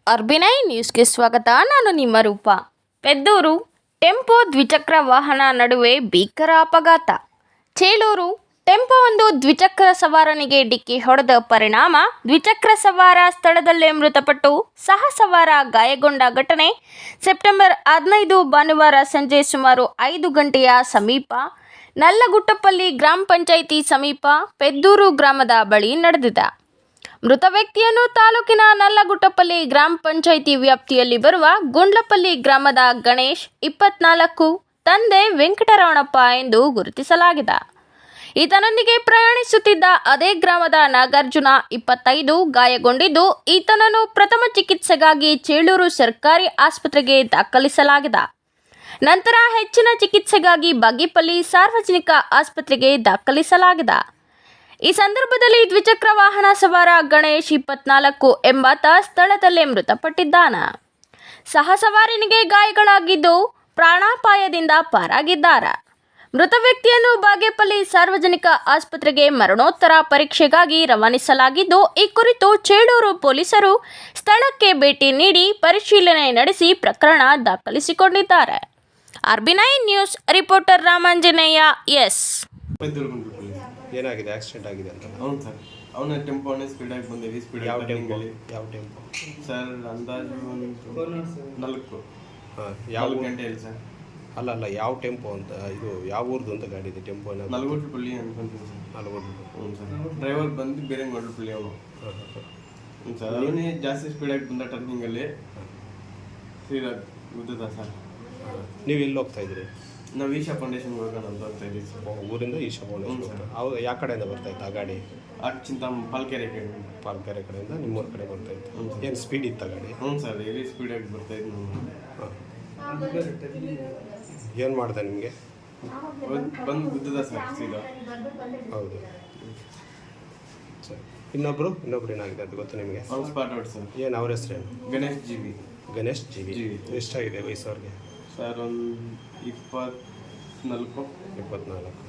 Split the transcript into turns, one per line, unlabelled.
ಆರ್ಬಿನೈ ನ್ಯೂಸ್ಗೆ ಸ್ವಾಗತ. ನಾನು ನಿಮ್ಮ ರೂಪ. ಪೆದ್ದೂರು ಟೆಂಪೋ ದ್ವಿಚಕ್ರ ವಾಹನ ನಡುವೆ ಭೀಕರ ಅಪಘಾತ. ಚೇಳೂರು ಟೆಂಪೋವೊಂದು ದ್ವಿಚಕ್ರ ಸವಾರನಿಗೆ ಡಿಕ್ಕಿ ಹೊಡೆದ ಪರಿಣಾಮ ದ್ವಿಚಕ್ರ ಸವಾರ ಸ್ಥಳದಲ್ಲೇ ಮೃತಪಟ್ಟು ಸಹ ಸವಾರ ಗಾಯಗೊಂಡ ಘಟನೆ ಸೆಪ್ಟೆಂಬರ್ 15 ಭಾನುವಾರ ಸಂಜೆ ಸುಮಾರು 5 ಗಂಟೆಯ ಸಮೀಪ ನಲ್ಲಗುಟ್ಟಪಲ್ಲಿ ಗ್ರಾಮ ಪಂಚಾಯಿತಿ ಸಮೀಪ ಪೆದ್ದೂರು ಗ್ರಾಮದ ಬಳಿ ನಡೆದಿದೆ. ಮೃತ ವ್ಯಕ್ತಿಯನ್ನು ತಾಲೂಕಿನ ನಲ್ಲಗುಟ್ಟಪಲ್ಲಿ ಗ್ರಾಮ ಪಂಚಾಯಿತಿ ವ್ಯಾಪ್ತಿಯಲ್ಲಿ ಬರುವ ಗುಂಡ್ಲಪಲ್ಲಿ ಗ್ರಾಮದ ಗಣೇಶ್ 24, ತಂದೆ ವೆಂಕಟರಮಣಪ್ಪ ಎಂದು ಗುರುತಿಸಲಾಗಿದೆ. ಈತನೊಂದಿಗೆ ಪ್ರಯಾಣಿಸುತ್ತಿದ್ದ ಅದೇ ಗ್ರಾಮದ ನಾಗಾರ್ಜುನ 25 ಗಾಯಗೊಂಡಿದ್ದು, ಈತನನ್ನು ಪ್ರಥಮ ಚಿಕಿತ್ಸೆಗಾಗಿ ಚೇಳೂರು ಸರ್ಕಾರಿ ಆಸ್ಪತ್ರೆಗೆ ದಾಖಲಿಸಲಾಗಿದೆ. ನಂತರ ಹೆಚ್ಚಿನ ಚಿಕಿತ್ಸೆಗಾಗಿ ಬಾಗೇಪಲ್ಲಿ ಸಾರ್ವಜನಿಕ ಆಸ್ಪತ್ರೆಗೆ ದಾಖಲಿಸಲಾಗಿದೆ. ಈ ಸಂದರ್ಭದಲ್ಲಿ ದ್ವಿಚಕ್ರ ವಾಹನ ಸವಾರ ಗಣೇಶ್ 24 ಎಂಬಾತ ಸ್ಥಳದಲ್ಲೇ ಮೃತಪಟ್ಟಿದ್ದಾನೆ. ಸಹ ಸವಾರನಿಗೆ ಗಾಯಗಳಾಗಿದ್ದು ಪ್ರಾಣಾಪಾಯದಿಂದ ಪಾರಾಗಿದ್ದಾರೆ. ಮೃತ ವ್ಯಕ್ತಿಯನ್ನು ಬಾಗೇಪಲ್ಲಿ ಸಾರ್ವಜನಿಕ ಆಸ್ಪತ್ರೆಗೆ ಮರಣೋತ್ತರ ಪರೀಕ್ಷೆಗಾಗಿ ರವಾನಿಸಲಾಗಿದ್ದು, ಈ ಕುರಿತು ಚೇಳೂರು ಪೊಲೀಸರು ಸ್ಥಳಕ್ಕೆ ಭೇಟಿ ನೀಡಿ ಪರಿಶೀಲನೆ ನಡೆಸಿ ಪ್ರಕರಣ ದಾಖಲಿಸಿಕೊಂಡಿದ್ದಾರೆ. ಆರ್ಬಿನೈ ನ್ಯೂಸ್ ರಿಪೋರ್ಟರ್ ರಾಮಾಂಜನೇಯ. ಎಸ್.
ಏನಾಗಿದೆ? ಆಕ್ಸಿಡೆಂಟ್ ಆಗಿದೆ ಅಂತ?
ಹೌದು ಸರ್. ಅವನ ಟೆಂಪೋನೇ ಸ್ಪೀಡಾಗಿ ಬಂದೇವಿ.
ಯಾವ ಟೆಂಪೋ?
ಸರ್ ಅಂದಾಜು ಒಂದು 4
ಯಾವ
ಗಂಟೆ ಇಲ್ಲ ಸರ್.
ಅಲ್ಲ ಯಾವ ಟೆಂಪೋ ಅಂತ? ಇದು ಯಾವ ಊರ್ದು ಅಂತ ಗಾಡಿ ಇದೆ? ಟೆಂಪೋ
ನಲ್ಗುಟ್ಲಪಲ್ಲಿ ಅನ್ಕೊಂತೀನಿ ಸರ್. ಹ್ಞೂ ಸರ್. ಡ್ರೈವರ್ ಬಂದು ಬೇರೆ ಗೊಡ್ಲಪಲ್ಲಿ ಅವನು. ಹ್ಞೂ ಸರ್. ಅವನೇ ಜಾಸ್ತಿ ಸ್ಪೀಡಾಗಿ ಬಂದ ಟರ್ನಿಂಗಲ್ಲಿ ಸೀದಾ ಗುದ್ದದ ಸರ್.
ನೀವು ಎಲ್ಲಿ ಹೋಗ್ತಾ ಇದ್ರಿ?
ನಾವು ಈಶಾ ಫೌಂಡೇಶನ್ಗೆ ಹೋಗೋಣ ಅಂತ ಹೋಗ್ತಾ ಇದ್ದೀವಿ ಸರ್.
ಊರಿಂದ ಈಶಾ ಫೌಂಡೇಶನ್. ಅವ್ರು ಯಾವ ಕಡೆಯಿಂದ ಬರ್ತಾ ಇತ್ತು ಆ ಗಾಡಿ?
ಪಾಲ್ಕೆರೆ
ಕಡೆಯಿಂದ ನಿಮ್ಮೂರ ಕಡೆ ಬರ್ತಾ ಇತ್ತು. ಏನು ಸ್ಪೀಡ್ ಇತ್ತು ಗಾಡಿ?
ಹ್ಞೂ ಸರ್. ಹೆವಿ ಸ್ಪೀಡಾಗಿ ಬರ್ತಾ ಇದ್ದು
ಏನು ಮಾಡಿದೆ ನಿಮಗೆ?
ಬಂದು ಗುದ್ದದ ಸರ್ ಸೀದಾ.
ಹೌದು ಸರ್. ಇನ್ನೊಬ್ರು ಏನಾಗಿದೆ ಅಂತ ಗೊತ್ತು ನಿಮಗೆ?
ಅವ್ರು ಸ್ಪಾಟ್ ಔಟ್ ಸರ್.
ಏನು ಅವ್ರ ಹೆಸರೇನು?
Ganesh G V.
ಎಷ್ಟಾಗಿದೆ ವಯಸ್ಸು ಅವ್ರಿಗೆ?
ಸರ್ ಒಂದು 24.